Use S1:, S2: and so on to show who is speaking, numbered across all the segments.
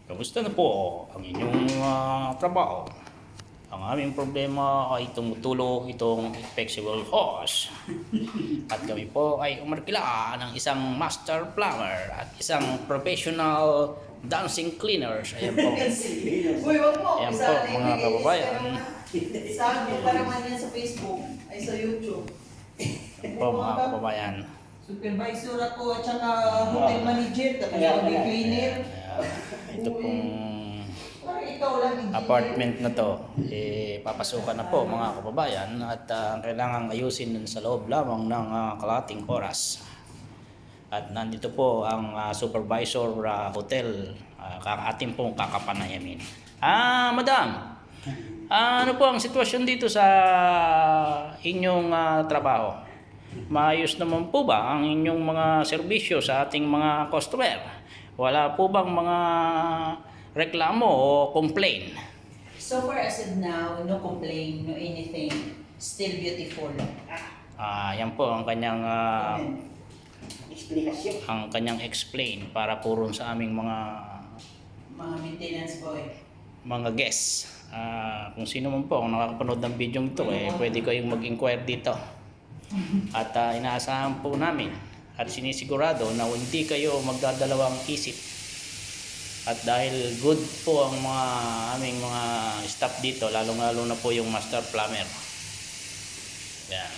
S1: Kamusta na po ang inyong trabaho? Ang aming problema ay tumutulo itong flexible hose. At kami po ay umarkila ng isang master plumber at isang professional dancing cleaners. Ayan po.
S2: Uy, wag mo.
S1: Ayan po mga kababayan.
S2: Saan mo para man yan sa Facebook ay sa YouTube.
S1: Ayan po mga kababayan.
S2: Supervisor ako at saka hotel manager, tapos mag-cleaner.
S1: Ito pong
S2: Parang ikaw lang engineer.
S1: apartment na to, papasukan na po mga kababayan at kailangan ayusin nun sa loob lamang ng kalahating oras. At nandito po ang supervisor hotel, ating pong kakapanayamin. Madam, ano po ang sitwasyon dito sa inyong trabaho? Maayos naman po ba ang inyong mga serbisyo sa ating mga customer? Wala po bang mga reklamo o complain?
S2: So far as of now, no complaint, no anything. Still beautiful.
S1: Yan po ang kanyang
S2: Explanation.
S1: ang kanyang explain para po ron sa aming mga
S2: Maintenance boy.
S1: guests. Kung sino man po ang nakakapanood ng video ito, pwede kayong mag-inquire dito. At inaasahan po namin at sinisigurado na hindi kayo magdadalawang isip. At dahil good po ang mga aming mga staff dito, lalong-lalo na po yung master plumber. Yan.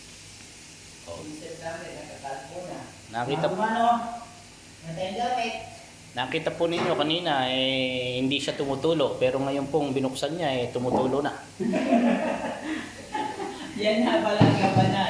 S1: Nakita po ninyo kanina hindi siya tumutulo, pero ngayon pong binuksan niya tumutulo na.
S2: Yan na pala ang gabanan.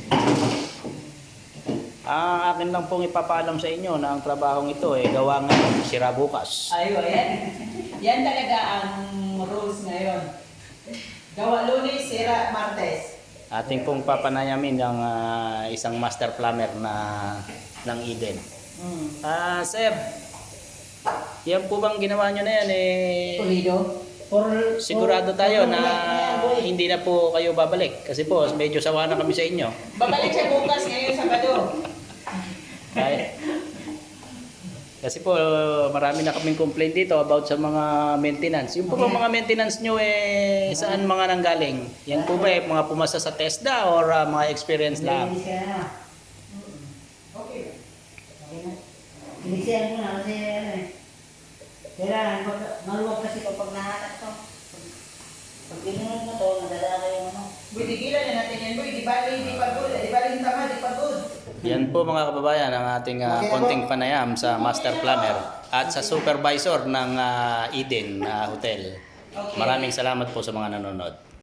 S1: Ang akin lang pong ipapaalam sa inyo na ang trabahong ito gawa ngayon, sira bukas.
S2: Ayun, yan. Yan talaga ang rules ngayon. Gawa Lunes, sira Martes.
S1: Ating pong papanayamin ng isang master plumber ng Eden. Sir, yan po bang ginawa nyo na yan
S2: Pulido.
S1: sigurado tayo na hindi na po kayo babalik kasi po medyo sawa na kami sa inyo.
S2: Babalik siya bukas ngayon Sabado.
S1: Kasi po marami na kaming complaint dito about sa mga maintenance. Yung po bang mga maintenance nyo saan mga nanggaling? Yan po ba mga pumasa sa TESDA or mga experience lang?
S2: Okay.
S3: Hindi siya muna kasi kailangan maluwag kasi kapag nahanap to. Pag ginunod mo to, nadadala yung
S2: Boy, tigilan na natin yan, boy. Di pagod. Di bali tama, di pagod.
S1: Yan po mga kababayan ang ating konting panayam sa master plumber at sa supervisor ng Eden Hotel. Maraming salamat po sa mga nanonood.